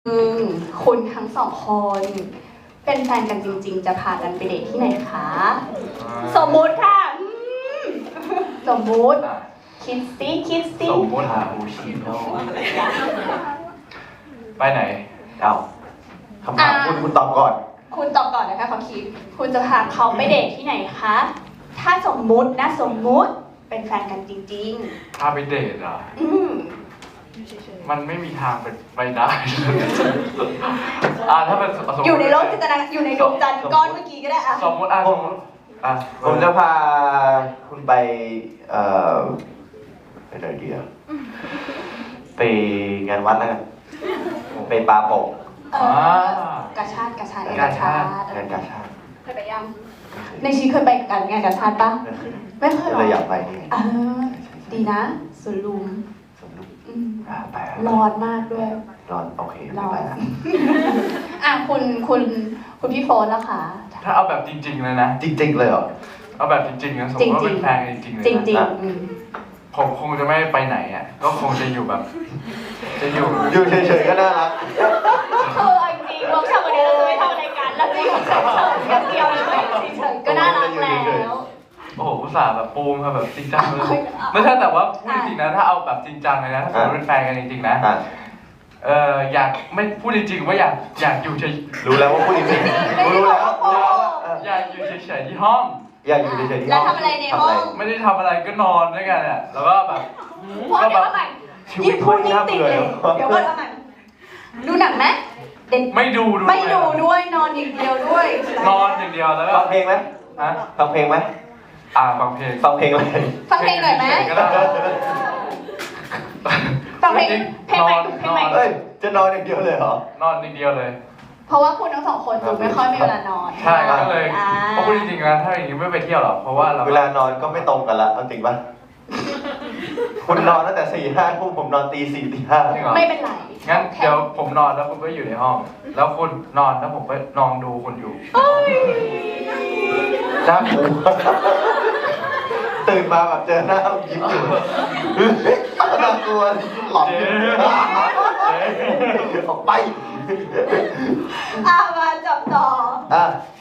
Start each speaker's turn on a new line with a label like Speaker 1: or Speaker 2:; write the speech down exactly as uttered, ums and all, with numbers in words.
Speaker 1: อืมคุณทั้งสองคนเป็นแฟนกันจริงๆ จะพากันไปเดทที่ไหนคะสมมุติค่ะอืมสมมุติคิดซิคิดซิ
Speaker 2: สมมติหาอูชิโน่ไปไหน
Speaker 3: เอาคำถามคุณคุณตอบก่อน
Speaker 1: คุณตอบก่อนนะคะเขาคิดคุณจะพาเขาไปเดทที่ไหนคะถ้าสมมุตินะสมมุติเป็นแฟนกันจริง
Speaker 2: พาไปเดทอ่ะ
Speaker 1: ๆ อืม
Speaker 2: มันไม่มีทางเป็นไปได้อ่าถ้าเป็นสมมุติ
Speaker 1: อยู่ในโลกจินตนาการอยู่ในดวงจันทร์ก้อนเมื่อกี้ก็ได้อะ
Speaker 2: สมมติอ่ะสมมติอ่ะ
Speaker 3: ผมจะพาคุณไปเอ่อไปไหนดีอะไปงานวัดแล้วกันไปปาโป่ง
Speaker 1: เออกาชาติกาชาติ
Speaker 3: งานกาชาติงานกาชาติ
Speaker 1: เคยไปยังในชีวิตเคยไปกันงานกาชาติปะไม่เคยหรอ
Speaker 3: เลยอยากไปนี่ไง
Speaker 1: เออดีนะสวนลุม
Speaker 3: สนุก
Speaker 1: อืม
Speaker 3: อ่าไป
Speaker 1: ร้อนมากด้วย
Speaker 3: ร้อนโอเค
Speaker 1: ร้
Speaker 3: ไม่
Speaker 1: อ
Speaker 3: ไป
Speaker 1: น
Speaker 3: ละ
Speaker 1: อ่ะคุณคุณคุณพี่โฟนแล้วค่ะ
Speaker 2: ถ้าเอาแบบจริงๆเลยนะ
Speaker 3: จริง ๆ เลยเหรอ
Speaker 2: เอาแบบจริงๆนะสมมติว่าเป็นแฟนกันจริงๆเลย
Speaker 1: จริง
Speaker 2: นะ
Speaker 1: จริง
Speaker 3: อ่ะ
Speaker 1: อืม
Speaker 2: ผมคงจะไม่ไปไหนอ่ะ ก็คงจะอยู่แบบ จะอยู่
Speaker 3: อยู่เฉยๆก็น่ารัก
Speaker 1: คือเอาจริงเวิร์กช็อปวันนี้เราจะไม่ทำอะไรกันเราจะอยู่เฉยๆอย่างเดียวเลยเฉยๆก็น่ารักแล้ว
Speaker 2: โอ้โหอุตส่าห์แบบปูมค่ะแบบจริงจังเลยไม่ใช่แต่ว่าพูดจริงๆนะถ้าเอาแบบจริงจังเลยนะถ้าสมมติเป็นแฟนกันจริงๆนะ
Speaker 3: อ่ะ
Speaker 2: เอออยากไม่พูดจริงๆว่าอยากอยากอยู่เฉย
Speaker 3: รู้แล้วว่าพูดจริงๆรู้แล้วรู้แล้วว่าเออ
Speaker 2: อยากอยู่เฉยๆที่ห้อง
Speaker 3: อยากอยู่เฉยๆที่
Speaker 1: แล้ว
Speaker 3: ห้อง
Speaker 1: ทำอะไรในห้อง
Speaker 2: ไม่ได้ทำอะไรก็นอนด้วยกันอ่ะแล้วก็แบบ
Speaker 1: พอเดี๋ยวเอาใหม่
Speaker 3: ชีวิ
Speaker 1: ยิ่
Speaker 3: ต
Speaker 1: ง
Speaker 3: พู
Speaker 1: พู
Speaker 3: ด
Speaker 1: ดยิ่ง
Speaker 3: น่า
Speaker 1: ติด
Speaker 3: เบื่อ
Speaker 1: เลยเดี๋ยวก่อนเอาใหม่ดูหนังไหมเด็ก
Speaker 2: ไม่ดูด้วย
Speaker 1: ไม่ดูด้วยนอนอย่างเดียวด้วย
Speaker 2: นอนอย่างเดียวแล้วก็
Speaker 3: ฟังเพลงไหม
Speaker 2: ฮะ
Speaker 3: ฟังเพลงไหม
Speaker 2: อ่าฟังเพลง
Speaker 3: ฟังเพลงอะไร
Speaker 1: ฟังเพลงหน่อยไหม
Speaker 2: ก็ได้
Speaker 1: ฟังเพลงเพลงใหม่
Speaker 2: นอน
Speaker 1: เพลงใหม่
Speaker 3: เอ้ยจะนอนอย่างเดียวเลยเหรอ
Speaker 2: นอนอย่างเดียวเลย
Speaker 1: เพราะว่าคุณทั้งสองคนดูไม่ค่อยมีเวลานอน
Speaker 2: ใช่ก็เลย
Speaker 1: อ่า
Speaker 2: เพราะพูดจริงๆนะถ้าอย่างนี้ไม่ไปเที่ยวหรอกเพราะว่าเรา
Speaker 3: เวลานอนก็ไม่ตรงกันละเอาจริงปะคุณนอนตั้งแต่สี่ห้าทุ่มผมนอนตีสี่ตีห้า
Speaker 2: จริงเหรอ
Speaker 1: ไม่เป็นไร
Speaker 2: งั้นเดี๋ยวผมนอนแล้วคุณก็อยู่ในห้อง แล้วคุณนอนแล้วผมก็นอนดูคุณอยู่
Speaker 1: เอ้ย
Speaker 3: น่ากลัวตื่นมาแบบเจอหน้ายิ้มอยู่น่ากลัวหลอนออกไป
Speaker 1: อ่ะมาจับต่อ
Speaker 3: อ่ะ